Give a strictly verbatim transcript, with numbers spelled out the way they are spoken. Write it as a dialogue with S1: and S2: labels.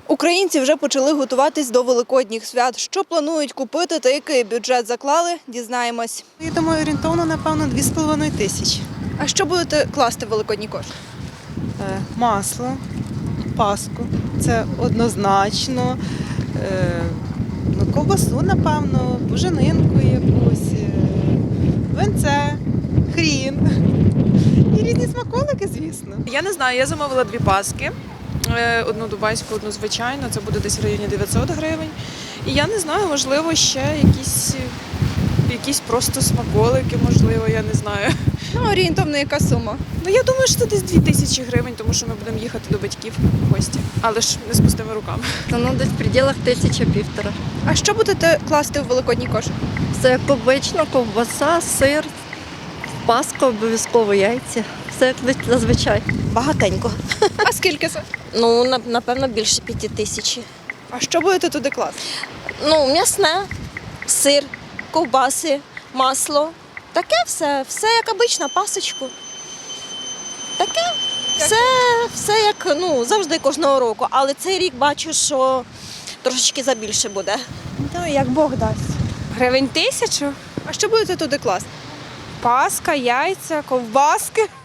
S1: Українці вже почали готуватись до великодніх свят. Що планують купити та який бюджет заклали, дізнаємось.
S2: Я думаю, орієнтовно, напевно, дві з половиною тисячі.
S1: А що будете класти в великодній кошик?
S2: Е, Масло, паску, це однозначно. Е, Ну, ковбасу, напевно, буженинку якусь, е, винце, хрін. І різні смаколики, звісно.
S3: Я не знаю, я замовила дві паски. Е, Одну дубайську, одну звичайну. Це буде десь в районі дев'ятсот гривень. І я не знаю, можливо, ще якісь, якісь просто смаколики, можливо, я не знаю.
S1: Ну, орієнтовно яка сума?
S3: Ну, я думаю, що це десь дві тисячі гривень, тому що ми будемо їхати до батьків в гості. Але ж не з пустими руками.
S4: Ну, десь в пределах тисяча півтора.
S1: А що будете класти в великодній кошик?
S4: Все як обично, ковбаса, сир, паска, обов'язково яйця. Все як зазвичай.
S5: Багатенько.
S1: А скільки це?
S5: Ну, на- напевно, більше п'яти тисяч.
S1: А що будете туди класти?
S5: Ну, м'ясне, сир, ковбаси, масло. Таке все, все як обично, пасочку. Таке, все, все як ну, завжди кожного року. Але цей рік бачу, що трошечки забільше буде.
S6: Ну, як Бог дасть.
S7: Гривень тисячу,
S1: А що будете туди класти?
S7: паска, яйця, ковбаски.